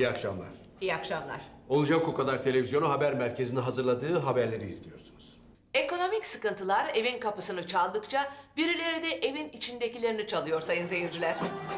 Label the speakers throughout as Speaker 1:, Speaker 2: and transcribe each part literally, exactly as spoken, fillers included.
Speaker 1: İyi akşamlar.
Speaker 2: İyi akşamlar.
Speaker 1: Olacak o kadar televizyonu haber merkezinin hazırladığı haberleri izliyorsunuz.
Speaker 2: Ekonomik sıkıntılar evin kapısını çaldıkça birileri de evin içindekilerini çalıyor sayın seyirciler.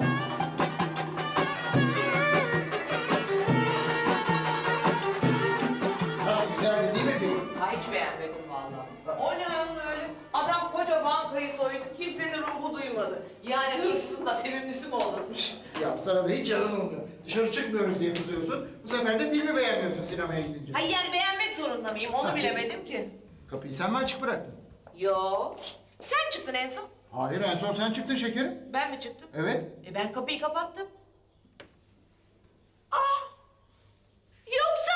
Speaker 3: Nasıl, güzel değil mi film?
Speaker 2: Ha, hiç beğenmedim vallahi. O ne ayol öyle? Adam koca bankayı soydu, kimsenin ruhu duymadı. Yani hırsızın da sevimlisi mi olurmuş?
Speaker 3: Ya sana da hiç yanın olmuyor. Dışarı çıkmıyoruz diye kızıyorsun. Bu sefer de filmi beğenmiyorsun sinemaya gidince.
Speaker 2: Hayır yani beğenmek zorunda mıyım? Onu bilemedim ki.
Speaker 3: Kapıyı sen mi açık bıraktın?
Speaker 2: Yo. Sen çıktın en son.
Speaker 3: Hayır, en son sen çıktın şekerim.
Speaker 2: Ben mi çıktım?
Speaker 3: Evet.
Speaker 2: E ben kapıyı kapattım. Aa! Yoksa...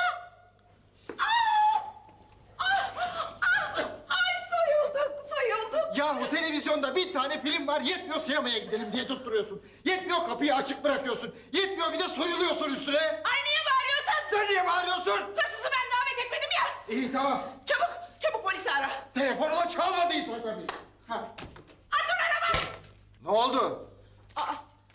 Speaker 2: Aa! Ah! Ah! Ay soyulduk, soyulduk.
Speaker 3: Yahu televizyonda bir tane film var, yetmiyor sinemaya gidelim diye tutturuyorsun. Yetmiyor kapıyı açık bırakıyorsun. Yetmiyor bir de soyuluyorsun üstüne.
Speaker 2: Ay niye bağırıyorsun?
Speaker 3: Sen niye bağırıyorsun?
Speaker 2: Hırsızı ben davet etmedim ya.
Speaker 3: İyi tamam.
Speaker 2: Çabuk, çabuk polisi ara.
Speaker 3: Telefonuna çalmadıysa tabii. Ha.
Speaker 2: Aa, dur araba.
Speaker 3: Ne oldu?
Speaker 2: Aa,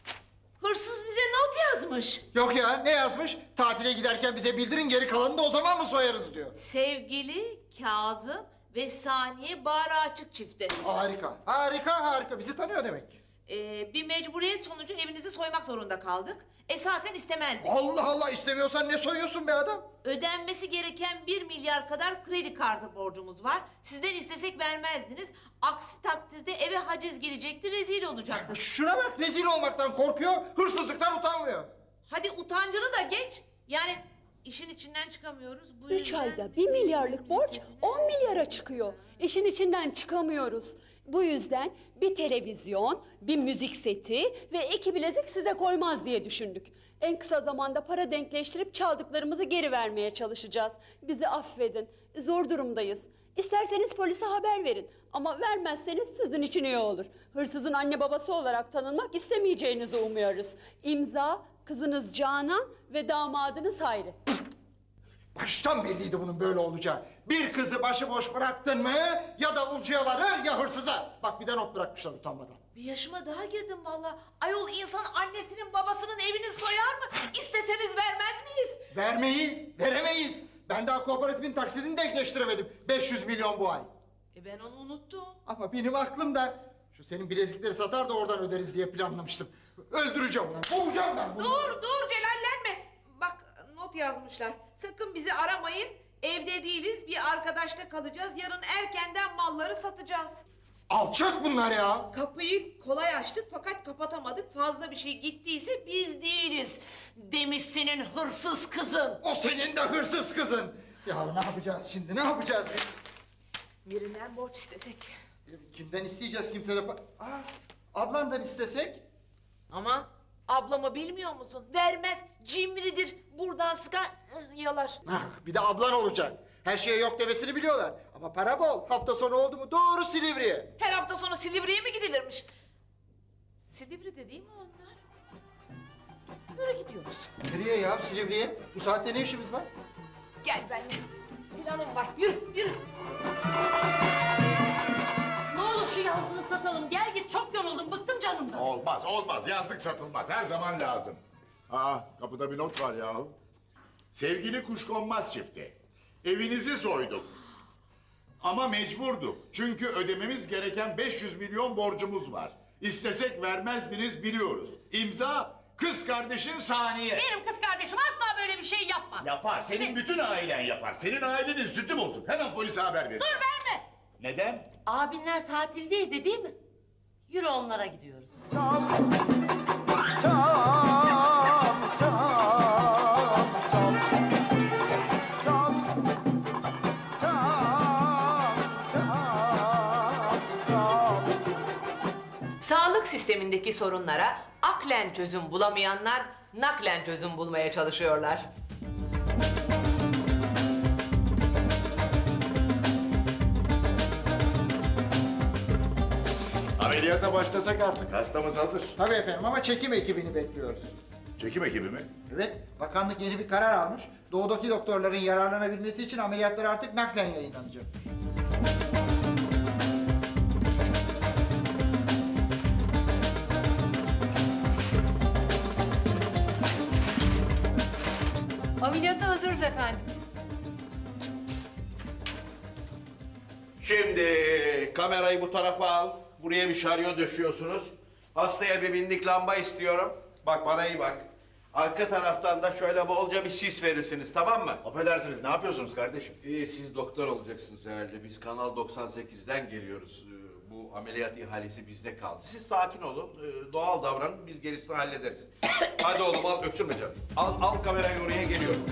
Speaker 2: hırsız bize not yazmış.
Speaker 3: Yok ya, ne yazmış? Tatile giderken bize bildirin, geri kalanını da o zaman mı soyarız diyor.
Speaker 2: Sevgili Kazım ve Saniye Bağrı Açık çifte.
Speaker 3: Harika, harika, harika. Bizi tanıyor demek.
Speaker 2: Ee, bir mecburiyet sonucu evinizi soymak zorunda kaldık. Esasen istemezdik.
Speaker 3: Allah Allah, istemiyorsan ne soyuyorsun be adam?
Speaker 2: Ödenmesi gereken bir milyar kadar kredi kartı borcumuz var. Sizden istesek vermezdiniz. Aksi takdirde eve haciz gelecekti, rezil olacaktık.
Speaker 3: Şuna bak, rezil olmaktan korkuyor, hırsızlıktan utanmıyor.
Speaker 2: Hadi utancını da geç. Yani işin içinden çıkamıyoruz. Bu
Speaker 4: Üç
Speaker 2: yüzden
Speaker 4: ayda bir milyarlık borç on milyara çıkıyor. İşin içinden çıkamıyoruz. Bu yüzden bir televizyon, bir müzik seti ve iki bilezik size koymaz diye düşündük. En kısa zamanda para denkleştirip çaldıklarımızı geri vermeye çalışacağız. Bizi affedin. Zor durumdayız. İsterseniz polise haber verin. Ama vermezseniz sizin için iyi olur. Hırsızın anne babası olarak tanınmak istemeyeceğinizi umuyoruz. İmza kızınız Canan ve damadınız Hayri.
Speaker 3: Baştan belliydi bunun böyle olacağı. Bir kızı başıboş bıraktın mı ya davulcuya varır ya hırsıza. Bak bir de not bırakmışlar utanmadan.
Speaker 2: bir yaşıma daha girdim vallahi. Ayol insan annesinin babasının evini soyar mı? İsteseniz vermez miyiz?
Speaker 3: Vermeyiz, veremeyiz. Ben daha kooperatifin taksidini denkleştiremedim. beş yüz milyon bu ay.
Speaker 2: E ben onu unuttum.
Speaker 3: Ama benim aklımda şu senin bilezikleri satar da oradan öderiz diye planlamıştım. Öldüreceğim onu, boğacağım ben bunu.
Speaker 2: Dur dur celallenme. Bak not yazmışlar. Sakın bizi aramayın. Evde değiliz. Bir arkadaşta kalacağız. Yarın erkenden malları satacağız.
Speaker 3: Alçak bunlar ya.
Speaker 2: Kapıyı kolay açtık fakat kapatamadık. Fazla bir şey gittiyse biz değiliz. Demiş senin hırsız kızın.
Speaker 3: O senin de hırsız kızın. Ya ne yapacağız şimdi, ne yapacağız biz?
Speaker 2: Birinden borç istesek.
Speaker 3: Kimden isteyeceğiz, kimse de... pa- Aa, ablandan istesek?
Speaker 2: Aman ablamı bilmiyor musun? Vermez, cimridir. Buradan sıkar, ıh, yalar.
Speaker 3: Ah, bir de ablan olacak. Her şeye yok demesini biliyorlar. Ama para bol. Hafta sonu oldu mu doğru Silivri'ye.
Speaker 2: Her hafta sonu Silivri'ye mi gidilirmiş? Silivri'de değil mi onlar? Yürü gidiyoruz.
Speaker 3: Nereye ya, Silivri'ye? Bu saatte ne işimiz var?
Speaker 2: Gel benimle. Planım var. Yürü, yürü.
Speaker 5: Ne olur şu yazlığı satalım. Gel git çok yoruldum. Bıktım canımdan.
Speaker 6: Olmaz, olmaz. Yazlık satılmaz. Her zaman lazım. Aa, kapıda bir not var yahu. Sevgili kuşkonmaz çifti. Evinizi soyduk. Ama mecburduk. Çünkü ödememiz gereken beş yüz milyon borcumuz var. İstesek vermezdiniz biliyoruz. İmza kız kardeşin Saniye.
Speaker 5: Benim kız kardeşim asla böyle bir şey yapmaz.
Speaker 6: Yapar. Senin bütün ailen yapar. Senin ailenin sütü bozuk. Hemen polise haber verin.
Speaker 5: Dur verme.
Speaker 6: Neden?
Speaker 5: Abinler tatildeydi değil mi? Yürü onlara gidiyoruz.
Speaker 2: Sağlık sistemindeki sorunlara aklen çözüm bulamayanlar naklen çözüm bulmaya çalışıyorlar.
Speaker 6: Ameliyata başlasak artık. Hastamız hazır.
Speaker 3: Tabii efendim ama çekim ekibini bekliyoruz.
Speaker 6: Çekim ekibi mi?
Speaker 3: Evet, bakanlık yeni bir karar almış. Doğudaki doktorların yararlanabilmesi için ameliyatlar artık naklen yayınlanacak.
Speaker 5: Ameliyata hazırız efendim.
Speaker 1: Şimdi kamerayı bu tarafa al. Buraya bir şaryo döşüyorsunuz. Hastaya bir binlik lamba istiyorum. Bak bana iyi bak. Arka taraftan da şöyle bolca bir sis verirsiniz, tamam mı?
Speaker 6: Affedersiniz, ne yapıyorsunuz kardeşim?
Speaker 1: İyi, siz doktor olacaksınız herhalde. Biz Kanal doksan sekizden geliyoruz. Ee, Bu ameliyat ihalesi bizde kaldı. Siz sakin olun, ee, doğal davranın, biz gerisini hallederiz. Hadi oğlum al, öksürme canım. Al, al kamerayı oraya, geliyorum.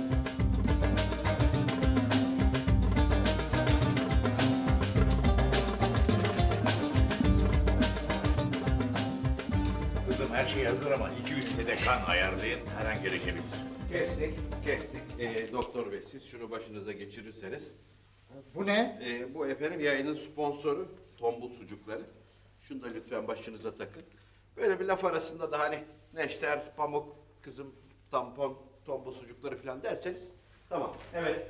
Speaker 6: Kızım her şey hazır ama iki ülkede kan ayarlayın, her an gerekebilir.
Speaker 1: Kestik, kestik. Ee, doktor bey, siz şunu başınıza geçirirseniz.
Speaker 3: Bu ne?
Speaker 1: Ee, bu efendim yayının sponsoru tombul sucukları. Şunu da lütfen başınıza takın. Böyle bir laf arasında da hani neşter, pamuk, kızım, tampon, tombul sucukları falan derseniz tamam. Evet.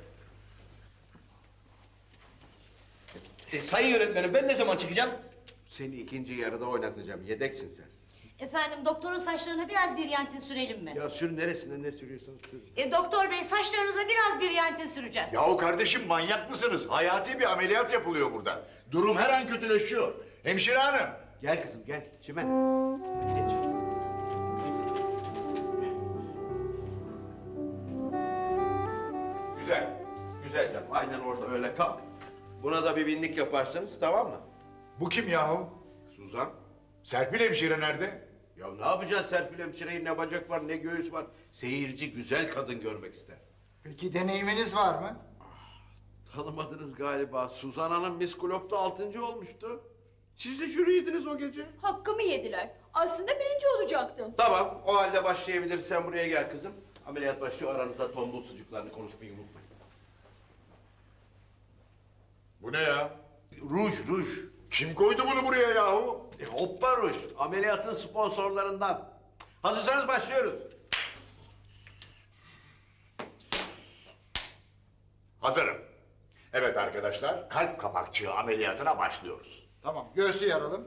Speaker 7: E, sayın yönetmenim ben ne zaman çıkacağım?
Speaker 1: Seni ikinci yarıda oynatacağım. Yedeksin sen.
Speaker 8: Efendim doktorun saçlarına biraz brilyantin sürelim mi?
Speaker 1: Ya sür, neresine ne sürüyorsan sür.
Speaker 8: E, doktor bey saçlarınıza biraz brilyantin süreceğiz.
Speaker 6: Yahu kardeşim manyak mısınız? Hayati bir ameliyat yapılıyor burada. Durum her an kötüleşiyor. Hemşire hanım.
Speaker 1: Gel kızım gel. Çimen. Geç. Güzel. Güzel canım. Aynen orada öyle kal. Buna da bir binlik yaparsınız, tamam mı?
Speaker 6: Bu kim yahu?
Speaker 1: Suzan.
Speaker 6: Serpil hemşire nerede?
Speaker 1: Ya ne yapacaksın Serpil hemşireyi? Ne bacak var ne göğüs var. Seyirci güzel kadın görmek ister.
Speaker 3: Peki deneyiminiz var mı?
Speaker 1: Tanımadınız galiba. Suzan Hanım Miss Globe'da altıncı olmuştu. Siz de jüriydiniz o gece.
Speaker 4: Hakkımı yediler. Aslında birinci olacaktım.
Speaker 1: Tamam, o halde başlayabiliriz. Sen buraya gel kızım. Ameliyat başlıyor. Aranızda tombul sucuklarını konuşmayı unutmayın.
Speaker 6: Bu ne ya?
Speaker 1: Ruj, ruj.
Speaker 6: Kim koydu bunu buraya yahu?
Speaker 1: E, hoppa ruj. Ameliyatın sponsorlarından. Hazırsanız başlıyoruz.
Speaker 6: Hazırım. Evet arkadaşlar, kalp kapakçığı ameliyatına başlıyoruz.
Speaker 3: Tamam, göğsü yaralım.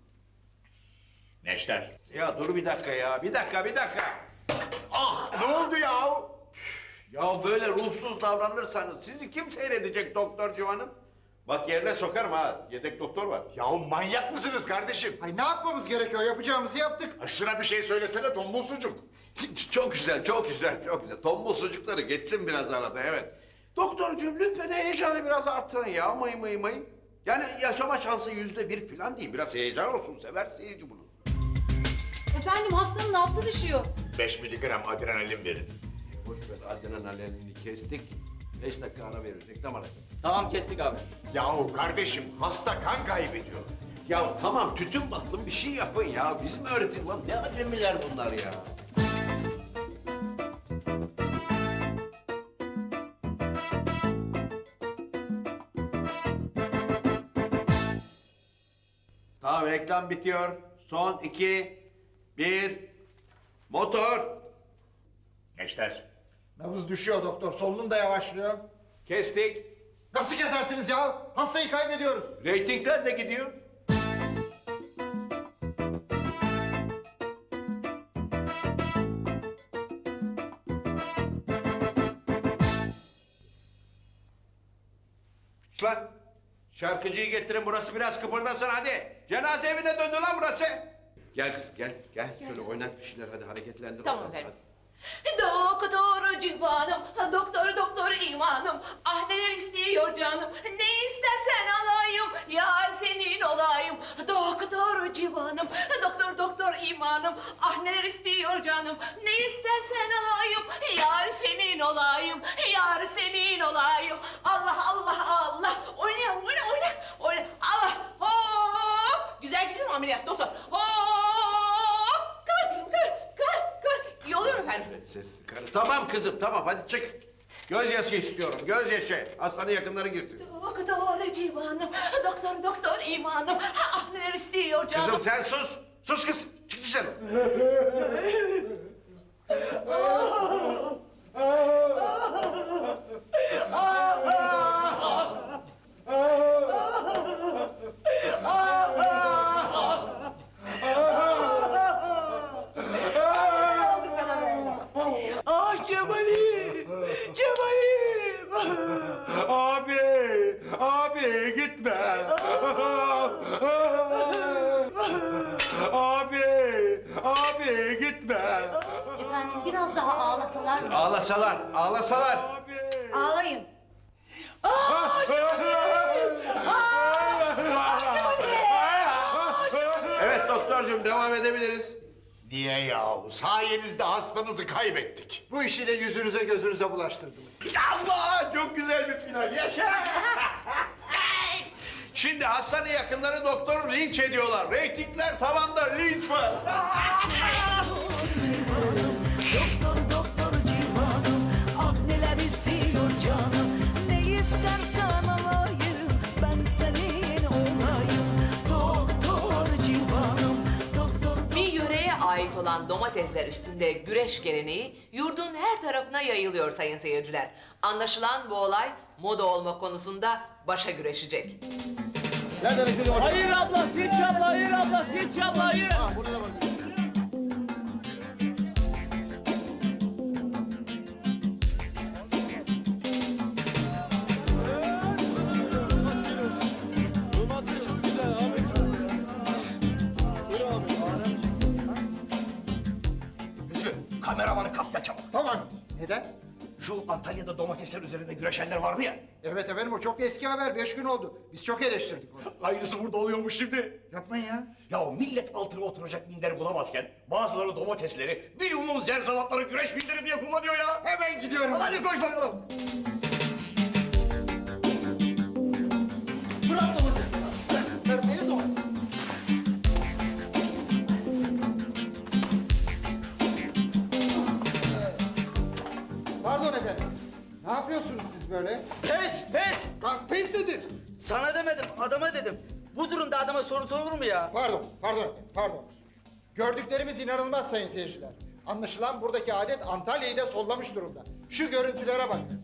Speaker 6: Neşter.
Speaker 1: Ya dur bir dakika ya. Bir dakika, bir dakika.
Speaker 6: Ah, ne oldu yahu?
Speaker 1: Ya böyle ruhsuz davranırsanız sizi kim seyredecek doktor Civan'ım? Bak yerine sokarım ha. Yedek doktor var.
Speaker 6: Yahu manyak mısınız kardeşim?
Speaker 3: Ay ne yapmamız gerekiyor? Yapacağımızı yaptık.
Speaker 6: Ha, şuna bir şey söylesene tombul sucuk.
Speaker 1: Çok güzel, çok güzel, çok güzel. Tombul sucukları geçsin biraz arada, evet. Doktorcuğum lütfen heyecanı biraz artırın ya, mıy mıy mıy. Yani yaşama şansı yüzde bir falan değil, biraz heyecan olsun, sever seyirci bunu.
Speaker 5: Efendim hastanın nabzı düşüyor.
Speaker 6: Beş miligram adrenalin verin.
Speaker 1: Boş ver, adrenalinini kestik. Beş dakika ara verirsek, tamam hadi.
Speaker 7: Tamam kestik abi.
Speaker 6: Yahu kardeşim, hasta kan kaybediyor.
Speaker 1: Ya tamam, tütün battım, bir şey yapın ya. Bizim öğretim lan, ne acemiler bunlar ya. Tamam, reklam bitiyor. Son iki, bir, motor.
Speaker 6: Neşter.
Speaker 3: Nabız düşüyor doktor, solunum da yavaşlıyor.
Speaker 1: Kestik.
Speaker 3: Nasıl kesersiniz ya? Hastayı kaybediyoruz.
Speaker 1: Reytingler de gidiyor. Lan şarkıcıyı getirin, burası biraz kıpırdasın hadi. Cenaze evine döndü lan burası. Gel kızım gel gel. Şöyle oynat bir şeyler hadi, hareketlendir.
Speaker 2: Tamam
Speaker 1: oradan,
Speaker 2: efendim.
Speaker 1: hadi.
Speaker 2: Doktor civanım, doktor doktor imanım. Ah neler istiyor canım, ne istersen alayım. Yar senin olayım. Doktor civanım, doktor doktor imanım. Ah neler istiyor canım, ne istersen alayım. Yar senin olayım, yar senin olayım. Allah Allah Allah. Oyna oyna oyna oyna. Allah hop. Güzel gidiyor mu ameliyat doktor? Hop. Kıvır kızım kıvır kıvır kıvır. İyi oluyor mu efendim?
Speaker 1: Evet, ses karı. Tamam kızım tamam hadi çık. Gözyaşı istiyorum gözyaşı. Hastanın yakınları girsin.
Speaker 2: Doktor civanım, doktor doktor imanım. Ah neler istiyor canım.
Speaker 1: Kızım sen sus. Sus kız. Çık dışarı.
Speaker 2: Ah Cemal'im. Cemal'im.
Speaker 6: Abi, abi gitme. Abi, abi gitme.
Speaker 8: Efendim biraz daha ağlasalar mı?
Speaker 1: Ağlasalar, ağlasalar.
Speaker 6: Abi.
Speaker 8: Ağlayın.
Speaker 1: Evet doktorcuğum devam edebiliriz.
Speaker 6: Niye yahu? Sayenizde hastanızı kaybettik.
Speaker 3: Bu işi de yüzünüze gözünüze bulaştırdınız.
Speaker 1: Allah çok güzel bir final. Yaşa! Şimdi hastanın yakınları doktoru linç ediyorlar. Reytingler tavanda, linç var.
Speaker 9: Doktor doktor civanım, ah neler istiyor canım. Ne istersen alayım, ben senin olayım. Doktor civanım, doktor.
Speaker 2: Bir yöreye ait olan domatesler üstünde güreş geleneği yurdun her tarafına yayılıyor sayın seyirciler. Anlaşılan bu olay moda olma konusunda başa güreşecek.
Speaker 7: Hayır abla, hiç abla, hayır abla, hiç abla, hayır. Lütfü, kameramanı kap gel çabuk.
Speaker 3: Tamam. Neden?
Speaker 7: Şu Antalya'da domatesler üzerinde güreşenler vardı ya.
Speaker 3: Evet efendim o çok eski haber. Beş gün oldu. Biz çok eleştirdik onu.
Speaker 7: Aynısı burada oluyormuş şimdi.
Speaker 3: Yapmayın ya.
Speaker 7: Ya millet altına oturacak minder bulamazken bazıları domatesleri, bir yumum zerzavatları güreş minderi diye kullanıyor ya.
Speaker 3: Hemen gidiyorum.
Speaker 7: Hadi koş bakalım. Bırak domatesi.
Speaker 3: Ver beni de o. Pardon efendim. Ne yapıyorsunuz siz böyle?
Speaker 10: Pes pes!
Speaker 3: Lan pes dedin.
Speaker 10: Sana demedim, adama dedim. Bu durumda adama soru sorulur mu ya?
Speaker 3: Pardon, pardon efendim, pardon. Gördüklerimiz inanılmaz sayın seyirciler. Anlaşılan buradaki adet Antalya'yı da sollamış durumda. Şu görüntülere bakın.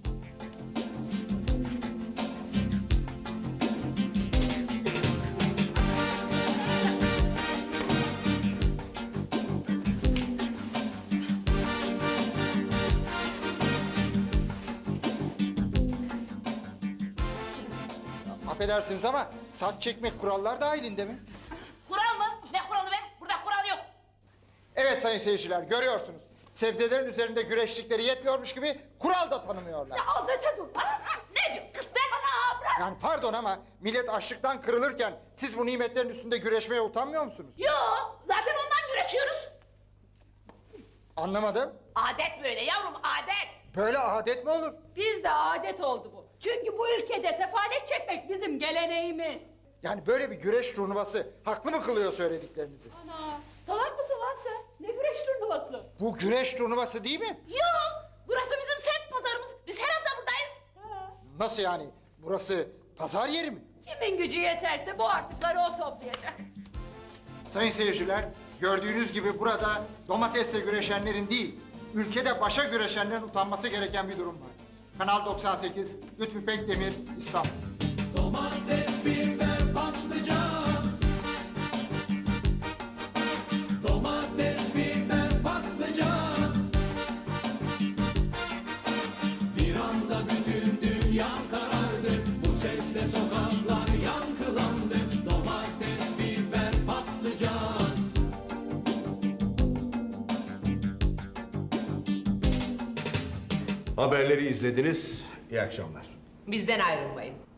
Speaker 3: Affedersiniz ama saç çekmek kurallar dahilinde mi?
Speaker 2: Kural mı? Ne kuralı be? Burada kural yok.
Speaker 3: Evet sayın seyirciler görüyorsunuz. Sebzelerin üzerinde güreştikleri yetmiyormuş gibi kural da tanımıyorlar.
Speaker 2: Azete dur. Bana ne diyor? Kız sen bana bırak.
Speaker 3: Yani pardon ama millet açlıktan kırılırken siz bu nimetlerin üstünde güreşmeye utanmıyor musunuz?
Speaker 2: Yok. Zaten ondan güreşiyoruz.
Speaker 3: Anlamadım.
Speaker 2: Adet böyle yavrum adet.
Speaker 3: Böyle adet mi olur?
Speaker 4: Bizde adet oldu bu. Çünkü bu ülkede sefalet çekmek bizim geleneğimiz.
Speaker 3: Yani böyle bir güreş turnuvası haklı mı kılıyor söylediklerinizi?
Speaker 4: Ana, salak mısın lan sen? Ne güreş turnuvası?
Speaker 3: Bu güreş turnuvası değil mi?
Speaker 2: Yok. Burası bizim semt pazarımız. Biz her hafta buradayız.
Speaker 4: Ha.
Speaker 3: Nasıl yani? Burası pazar yeri mi?
Speaker 4: Kimin gücü yeterse bu artıkları o toplayacak.
Speaker 3: Sayın seyirciler, gördüğünüz gibi burada domatesle güreşenlerin değil, ülkede başa güreşenlerin utanması gereken bir durum var. Kanal doksan sekiz, Lütfü Pekdemir, İstanbul.
Speaker 9: Domates, biber, patlıcan. Domates, biber, patlıcan. Bir anda bütün dünya karardı. Bu sesle sokaklar yankılandı. Domates, biber, patlıcan.
Speaker 1: Haberleri izlediniz. İyi akşamlar.
Speaker 2: Bizden ayrılmayın.